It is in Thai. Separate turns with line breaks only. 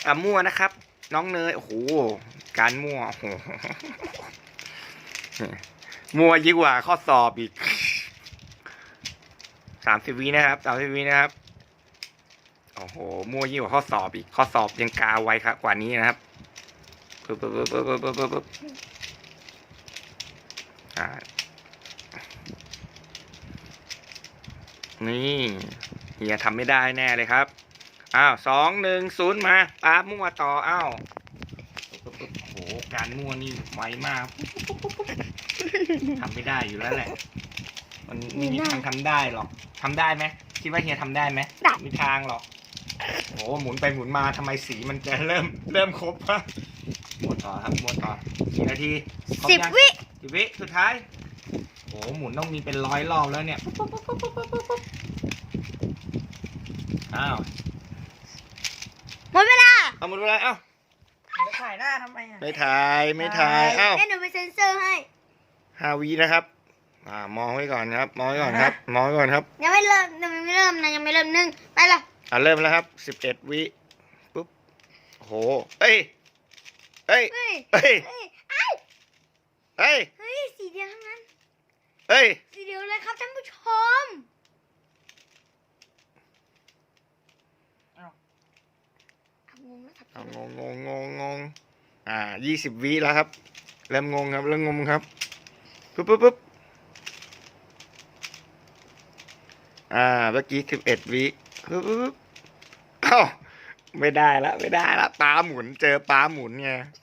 มั่วนะครับ น้องเนยโอ้โหการมั่วโอ้โหมั่วยิ่งกว่าข้อสอบอีก30 วินะครับ30 วินะครับโอ้โหมั่วยิ่งกว่าข้อสอบอีกข้อสอบยังกาไวครับกว่านี้นะครับปึ๊บนี่เฮียทำไม่ได้แน่เลยครับอ้าว2-1-0มาป๊าบมั่วต่ออ้าวโอ้โหการมั่วนี่ไวมากทำไม่ได้อยู่แล้วแหละมันไม่มีทางทำได้หรอกทำได้ไหมคิดว่าเฮียทำได้ไหมไม่มีทางหรอกโอ้หมุนไปหมุนมาทำไมสีมันจะเริ่มครบฮะหมดต่อครับหมดต่อกี่นาที10 วิสุดท้ายโอ้หมุนต้องมีเป็น100 รอบแล้วเนี่ยอ้าว
หมดเวลา
เอาหมดเวลาเอ้า
จะถ่ายหน้าทำไมอ่ะ
ไม่ถ่ายเอ้า
เดี๋ยวหนูไปเซ็นเซอร์ให้
5 วินะครับมองไว้ก่อนครับมองไว้ก่อนครับมองไว้ก่อนครับ
ยังไม่เริ่มนะยังไม่เริ่ม1ไปละ
เริ่มแล้วครับ11 วิปุ๊บโหเอ้ย
เฮ้ยสีเดียวทั้งนั้นสีเดียวเลยครับท่านผู้ชมงงนะครับ
งง20 วิแล้วครับเริ่มงงครับปุ๊บเมื่อกี้11 วิปุ๊บเอ้าไม่ได้ละปลาหมุนเจอปลาหมุนไง